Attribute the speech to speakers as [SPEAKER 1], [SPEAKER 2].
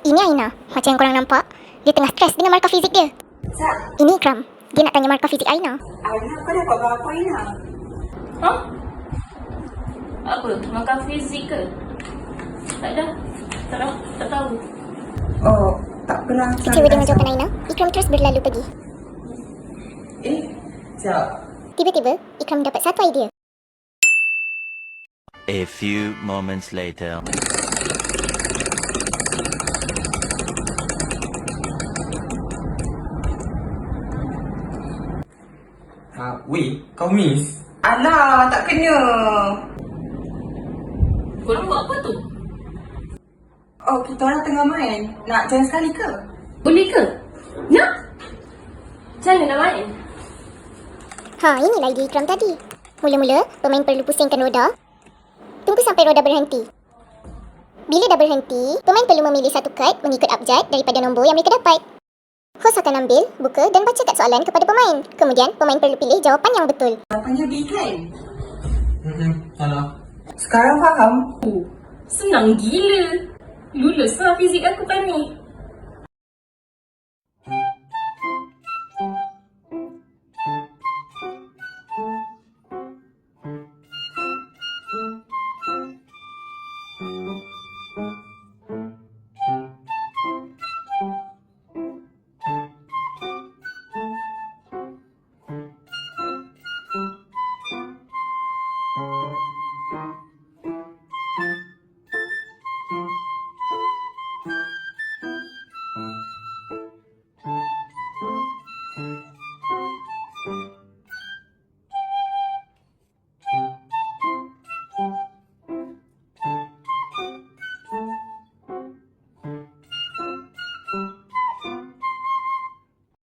[SPEAKER 1] Ini Aina, macam yang korang nampak. Dia tengah stres dengan markah fizik dia.
[SPEAKER 2] Zat,
[SPEAKER 1] Ini Ikram, dia nak tanya markah fizik Aina.
[SPEAKER 2] Aina kau dapat berapa Aina?
[SPEAKER 3] Ha? Apa? Makan fizik ke? Tak ada. Tak tahu.
[SPEAKER 2] Oh, tak pernah.
[SPEAKER 1] Kecewa dengan jawapan Aina, Ikram terus berlalu pergi.
[SPEAKER 2] Zat.
[SPEAKER 1] Tiba-tiba, Ikram dapat satu idea.
[SPEAKER 4] A few moments later.
[SPEAKER 5] Weh, kau miss?
[SPEAKER 2] Alah, tak kena.
[SPEAKER 3] Korang buat apa tu?
[SPEAKER 2] Oh, kita orang tengah main. Nak join sekali ke?
[SPEAKER 3] Boleh ke? Nak? Macam mana nak main?
[SPEAKER 1] Inilah idea Ikram tadi. Mula-mula, pemain perlu pusingkan roda. Tunggu sampai roda berhenti. Bila dah berhenti, pemain perlu memilih satu kad mengikut abjad daripada nombor yang mereka dapat. Hos akan ambil, buka dan baca kad soalan kepada pemain. Kemudian, pemain perlu pilih jawapan yang betul.
[SPEAKER 2] Jawapannya B kan?
[SPEAKER 5] Salah.
[SPEAKER 2] Sekarang faham?
[SPEAKER 3] Senang gila. Lulus lah fizik aku kan ni.